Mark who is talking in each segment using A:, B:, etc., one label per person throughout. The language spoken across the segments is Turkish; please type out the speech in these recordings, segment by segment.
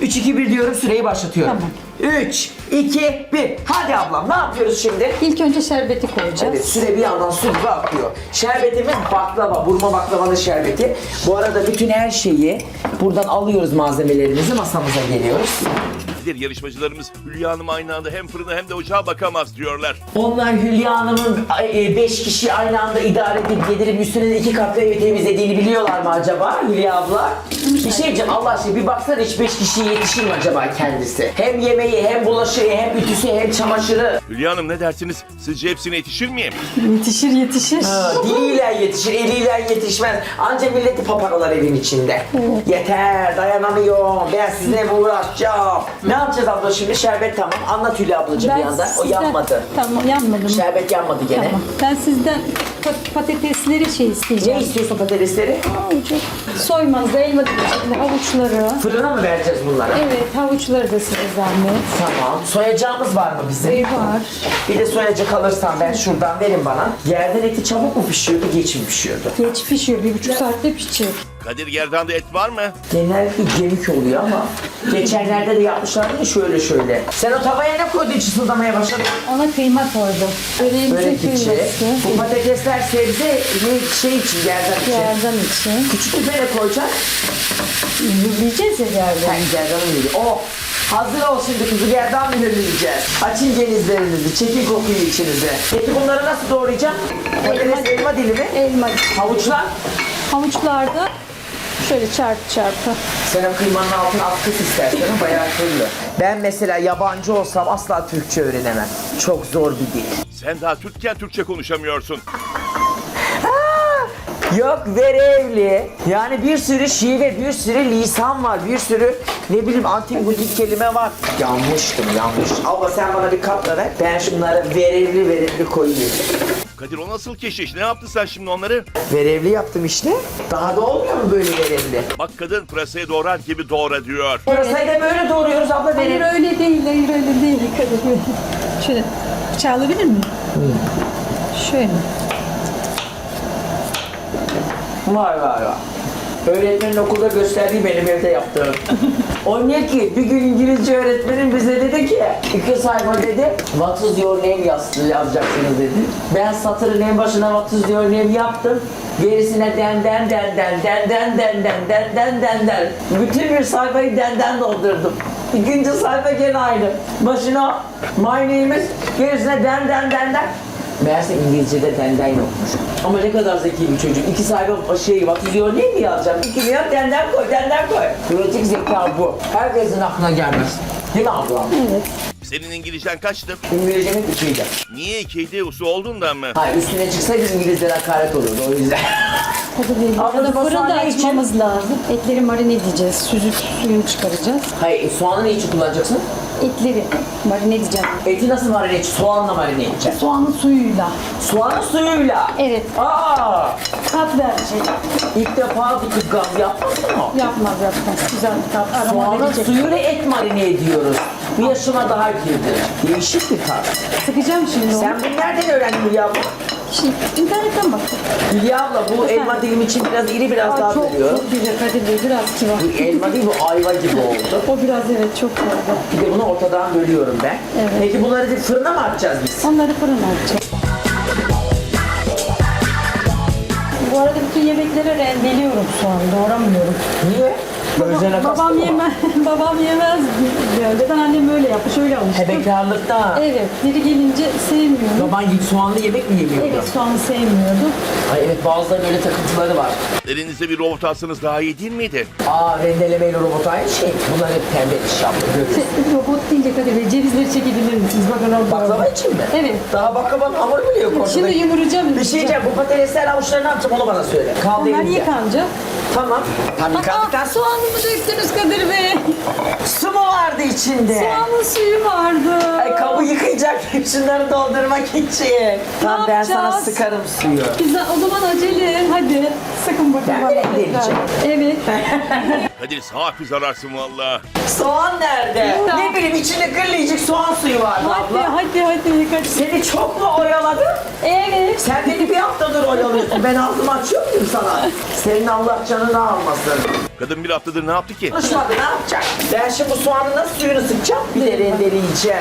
A: 3, 2, 1 diyorum, süreyi başlatıyorum.
B: Tamam.
A: 3, 2, 1. Hadi ablam, ne yapıyoruz şimdi?
B: İlk önce şerbeti koyacağız.
A: Evet, süre bir yandan su gibi akıyor. Şerbetimiz baklava, burma baklavanın şerbeti. Bu arada bütün her şeyi buradan alıyoruz, malzemelerimizi masamıza geliyoruz.
C: Yarışmacılarımız Hülya Hanım aynı anda hem fırına hem de ocağa bakamaz diyorlar.
A: Onlar Hülya Hanım'ın 5 kişi aynı anda idare edip gelirip üstüne de 2 katlı evi temizlediğini biliyorlar mı acaba Hülya abla? Bir şey diyeceğim, Allah aşkına bir baksana, hiç 5 kişiye yetişir mi acaba kendisi? Hem yemeği, hem bulaşığı, hem ütüsü, hem çamaşırı.
C: Hülya Hanım ne dersiniz? Sizce hepsine yetişir miyim?
B: Yetişir.
A: Diliyle yetişir, eliyle yetişmez. Anca milleti paparolar evin içinde. Yeter, dayanamıyorum. Ben sizinle mi uğraşacağım? Ne yapacağız abla şimdi? Şerbet tamam. Anlat Hülya ablacığım bir yandan. O yanmadı.
B: Tamam, yanmadı mı?
A: Şerbet yanmadı gene.
B: Tamam. Ben sizden patatesleri isteyeceğim.
A: Ne istiyorsun patatesleri?
B: Soymanızı, elma dilimi, havuçları.
A: Fırına mı vereceğiz bunları?
B: Evet, havuçları da size zahmet.
A: Tamam. Soyacağımız var mı bizim?
B: Var.
A: Bir de soyacak alırsan ben şuradan, verin bana. Yerden eti çabuk mu pişiyordu, geç mi pişiyordu?
B: Geç pişiyor, 1,5 saatte pişecek.
C: Kadir Gerdan'da et var mı?
A: Genellikle gemik oluyor ama geçenlerde de yapmışlardı ya şöyle. Sen o tavaya ne koydun, çısıldamaya başladın?
B: Ona kıyma koydum. Böreğimize
A: Börek içi.
B: kıyması.
A: Bu patatesler sebze ne şey için, gerdan için.
B: Yerden için.
A: Küçük bir bere koyacak.
B: Yiyeceğiz ya yerden.
A: Ben gerdanı yiyeceğim. Oh! Hazır ol şimdi, kuzu gerdan mühürleyeceğiz. Açın genizlerinizi, çekin kokuyu içinize. Peki bunları nasıl doğrayacağım? Patates, elma dilimi,
B: Elma.
A: havuçlar.
B: Havuçlarda şöyle çarpı.
A: Sen o kıymanın altına at kıs istersen, bayağı kırılır. Ben mesela yabancı olsam asla Türkçe öğrenemem. Çok zor bir dil.
C: Sen daha Türkken Türkçe konuşamıyorsun.
A: Yok, verevli. Yani bir sürü şive, bir sürü lisan var, bir sürü ne bileyim antik butik kelime var. Yanmıştım. Abla sen bana bir kapla ver. Ben şunları verevli koyayım.
C: Kadir o nasıl keşiş? Ne yaptın sen şimdi onları?
A: Verevli yaptım işte. Daha da olmuyor mu böyle verevli?
C: Bak kadın pırasayı doğrar gibi doğra diyor.
A: Pırasayı da böyle doğruyoruz abla,
B: Hayır
A: verevli.
B: öyle değil, öyle değil. Şöyle bıçağı alabilir miyim? Şöyle.
A: Vay. Öğretmenin okulda gösterdiği benim evde yaptığım. O ne ki? Bir gün İngilizce öğretmenim bize dedi ki 2 sayfa dedi, what is your name yazacaksınız dedi. Ben satırın en başına what is your name yaptım. Gerisine den. Bütün bir sayfayı denden doldurdum. İkinci sayfa gene aynı. Başına my name is, gerisine den. Meğerse İngilizce'de denden yokmuş. Ama ne kadar zeki bir çocuk. 2 sayfa what is your name mi yazacağım? 2 milyon denden koy. Pratik zeka bu. Herkesin aklına gelmez. Değil mi ablam?
B: Evet.
C: Senin İngilizcen kaçtı?
A: İngilizcemin 2'ydi.
C: Niye 2'ydi usu olduğundan mı?
A: Hayır, üstüne çıksaydı İngilizlere hakaret olurdu, o yüzden.
B: Tabii değil.
A: Abla,
B: Arada
A: bu
B: fırında
A: soğan ne için?
B: açmamız lazım. Etleri marine edeceğiz. Suyunu çıkaracağız.
A: Hayır, soğanı ne için kullanacaksın?
B: Etleri marine edeceğim.
A: Eti nasıl marine edeceksin? Soğanla marine edeceksin.
B: Soğanın suyuyla.
A: Soğanın suyuyla.
B: Evet.
A: Aa!
B: Tat verecek.
A: İlk defa bir kız gaz yapmasın o.
B: Yapmaz. Güzel bir tat. Aroma
A: Soğanın
B: verecek.
A: suyuyla et marine ediyoruz. Bir yaşıma daha girdi. Değişik bir tat.
B: Sıkacağım şimdi onu.
A: Sen bunu nereden öğrendin Hülya abla?
B: Şimdi internetten baktım.
A: Hülya abla, bu elma dilim için biraz iri, biraz daha
B: Çok
A: veriyor.
B: güzel Kadir Bey. Biraz kibar.
A: Bu elma değil, bu ayva gibi oldu.
B: O biraz evet çok güzel.
A: Bir de bunu ortadan bölüyorum ben.
B: Evet.
A: Peki bunları fırına mı atacağız biz?
B: Onları fırına atacağız. Bu arada bütün yemekleri rendeliyorum şu an. Doğramıyorum.
A: Niye? Gözlerine kastı
B: Babam
A: mı?
B: babam yemez diyor. Önceden annem öyle yapmış, öyle almıştım.
A: Bekarlıkta.
B: Evet, biri gelince sevmiyorum.
A: Baban git soğanlı yemek mi yemiyordu?
B: Evet, soğanı sevmiyordu.
A: Ay evet, bazılarının öyle takıntıları var.
C: Elinizde bir robot alsanız daha iyi değil miydi?
A: Rendelemeyle robot aynı şey. Bunlar hep pembe iş yaptı.
B: Robot deyince Kadir Bey, cevizleri çekebilir misiniz? Bakın orada.
A: Baklava için mi?
B: Evet.
A: Daha baklavanın hamuru bile yok ortada.
B: Şimdi yumuracağım.
A: Bir şey diyeceğim, bu patatesler avuçları ne yapacağım onu bana söyle. Kaldı
B: Onlar
A: elimde.
B: yıkanacak.
A: Tamam. Tam yıkandıktan sonra
B: Soğanımı döktünüz Kadir Bey.
A: su mu vardı içinde?
B: Soğanın suyu vardı.
A: Ay, kabı yıkayacak şunları doldurmak için. Tamam, ben sana
B: yapacağız?
A: sıkarım suyu.
B: Güzel, o zaman acele. Hadi sıkın bakın.
A: Ben
B: bana
A: de
B: tekrar.
A: deneyeceğim.
B: Evet.
C: Kadir safi zararsın valla.
A: Soğan nerede?
B: Burada.
A: Ne bileyim, içinde kırlayacak soğan suyu vardı abla.
B: Hadi Kadir.
A: Seni çok mu oyaladım?
B: Evet.
A: Sen beni bir haftadır oyalıyorsun. Ben ağzımı açıyor muyum sana? Senin Allah canını almasın.
C: Kadın bir haftadır ne yaptı ki?
A: Konuşmadı, ne yapacak? Ben şimdi bu soğanın nasıl suyunu sıkacağım? Bir de rendeleyeceğim.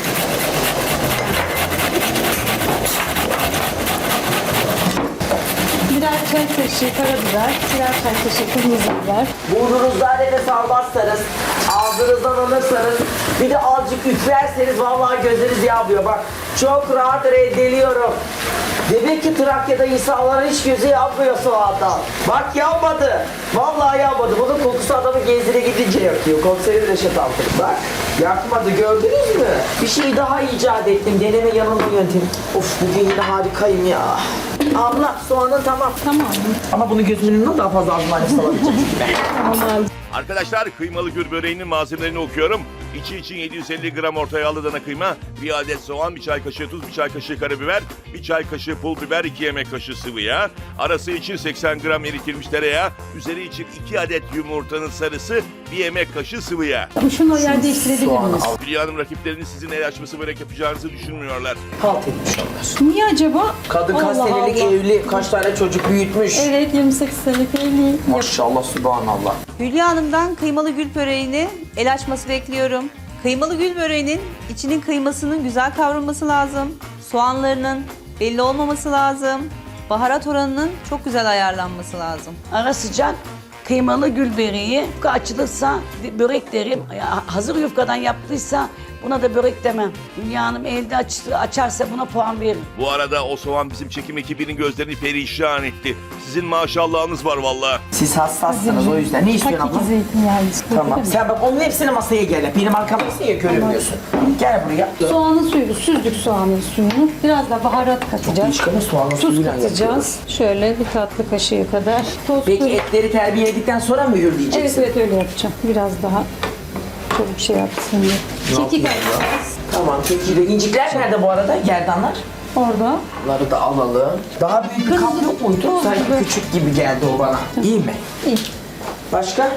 B: Birer çay kaşığı karabiber, birer çay kaşığı kırmızı biber.
A: Burnunuzdan nefes almazsanız, ağzınızdan alırsanız, bir de azıcık üflerseniz vallahi gözleriniz yanmıyor. Bak çok rahat rendeliyorum. Demek ki Trakya'da insanların hiç gözü yanmıyor soğandan. Bak yanmadı. Vallahi yanmadı. Bunun kokusu adamı gezine gidince yakıyor. Komiserim Reşat Altın. Bak yakmadı, gördünüz mü? Bir şey daha icat ettim. Deneme yanılma yöntemi. Of bugün yine harikayım ya. Abla soğanın tamam.
B: Tamam.
A: Ama bunu gözümün önüne daha fazla ağzıma nefes alabileceğim çünkü ben.
B: Tamam.
C: Arkadaşlar kıymalı gül böreğinin malzemelerini okuyorum. İçi için 750 gram orta yağlı dana kıyma, 1 adet soğan, 1 çay kaşığı tuz, 1 çay kaşığı karabiber, 1 çay kaşığı pul biber, 2 yemek kaşığı sıvı yağ, arası için 80 gram eritilmiş tereyağı, üzeri için 2 adet yumurtanın sarısı, 1 yemek kaşığı sıvı yağ.
B: Şunu yer değiştirebilir
A: Soğan
B: miyiz?
A: al.
C: Hülya Hanım rakipleriniz sizin el açması börek yapacağınızı düşünmüyorlar.
A: Halt etmiş onlar.
B: Niye acaba?
A: Kadın kaç
B: Allah
A: senelik
B: Allah.
A: evli, kaç tane çocuk büyütmüş.
B: Evet 28 senelik evliyim.
A: Maşallah, subhanallah.
D: Hülya Hanım'dan kıymalı gül böreğini el açması bekliyorum. Kıymalı gül böreğinin içinin kıymasının güzel kavrulması lazım. Soğanlarının belli olmaması lazım. Baharat oranının çok güzel ayarlanması lazım.
E: Ara sıcak kıymalı gül böreği. Yufka açılırsa börek derim. Ya, hazır yufkadan yaptıysa buna da börek demem. Hülya Hanım elde açarsa buna puan veririm.
C: Bu arada o soğan bizim çekim ekibinin gözlerini perişan etti. Sizin maşallahınız var vallahi.
A: Siz hassassınız o yüzden. Ne istiyorsun abla?
B: Hakiki zeytinyağı.
A: Tamam. Sen bak onun hepsini masaya gel. Benim arkamda niye görünmüyorsun? Gel buraya.
B: Soğanın suyunu, süzdük soğanın suyunu. Biraz da baharat katacağız.
A: Çıkanı soğanla
B: Tuz
A: suyuyla
B: katacağız.
A: yapıyoruz.
B: Şöyle bir tatlı kaşığı kadar. Toz
A: Peki
B: kuru-
A: etleri terbiyeledik sonra mı mühürleyeceksin?
B: Evet evet öyle yapacağım. Biraz daha çabuk şey yapsın diye. Kekik atacağız.
A: Tamam, peki de incikler nerede bu arada? Gerdanlar.
B: Orada.
A: Bunları da alalım. Daha büyük bir kap yok muydu? Sanki küçük gibi geldi o bana. İyi mi?
B: İyi.
A: Başka?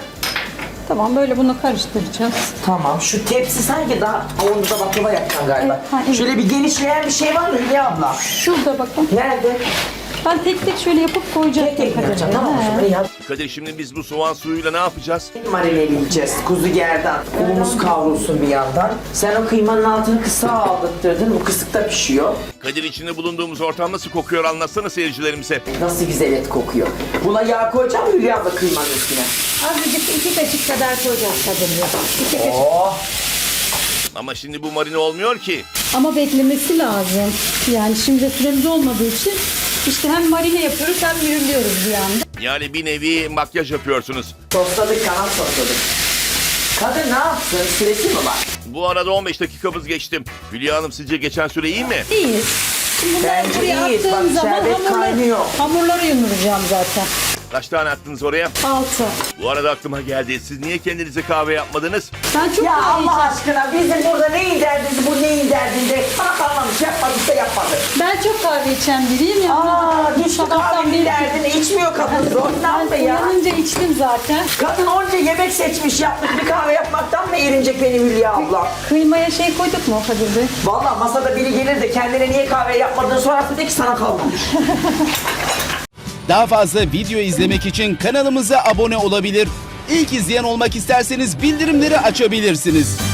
B: Tamam böyle bunu karıştıracağız.
A: Tamam. Şu tepsi sanki daha onda da baklava yapacaksın galiba.
B: Evet, ha, evet.
A: Şöyle bir genişleyen bir şey var mı Hülya abla?
B: Şurada bakın.
A: Nerede?
B: Ben tek tek şöyle yapıp koyacağım.
A: Tek tek mi yapacaksın? Tamam o zaman ya.
C: Kadir şimdi biz bu soğan suyuyla ne yapacağız?
A: Marineleyeceğiz. Kuzu gerdan. Unumuz kavrulsun bir yandan. Sen o kıymanın altını kısa aldırttırdın. Bu kısıkta pişiyor.
C: Kadir içinde bulunduğumuz ortam nasıl kokuyor anlatsana seyircilerimize.
A: Nasıl güzel et kokuyor. Buna yağ koyacağım mı Hülya abla kıymanın üstüne?
B: Azıcık 2 kaşık kadar koyacağız kadınca. 2 kaşık.
A: Oh!
C: Ama şimdi bu marine olmuyor ki.
B: Ama beklemesi lazım. Yani şimdi süremiz olmadığı için işte hem marine yapıyoruz hem mühürlüyoruz bir anda.
C: Yani bir nevi makyaj yapıyorsunuz.
A: Sosladık, kanat sosladık. Kadın ne yapsın? Süresi mi var?
C: Bu arada 15 dakikamız geçti. Hülya Hanım sizce geçen süre iyi mi?
B: İyiyiz. Şimdi bunları
A: Bence
B: buraya
A: iyiyiz.
B: attığım
A: Bak,
B: zaman
A: şerbet kaynıyor.
B: hamurları yumuracağım zaten.
C: Kaç tane attınız oraya?
B: 6.
C: Bu arada aklıma geldi. Siz niye kendinize kahve yapmadınız?
B: Ben çok
A: Ya
B: kahve
A: Allah
B: içerim.
A: aşkına bizim burada neyin derdinde, bu neyin derdinde? Bana kalmamış, yapmadıysa yapmadı.
B: Ben çok kahve içen biriyim ya.
A: Aa, hiç bu
B: Sabahtan
A: kahvenin
B: beri-
A: derdini içmiyor kadın. Zorundan
B: Ben
A: mı ya?
B: uyanınca içtim zaten.
A: Kadın onca yemek seçmiş, yapmış bir kahve yapmaktan mı erinecek beni Hülya abla?
B: Kıymaya şey koyduk mu Kadir Bey?
A: Vallahi masada biri gelir de kendine niye kahve yapmadığını sorarsa de ki sana kalmamış.
F: Daha fazla video izlemek için kanalımıza abone olabilir. İlk izleyen olmak isterseniz bildirimleri açabilirsiniz.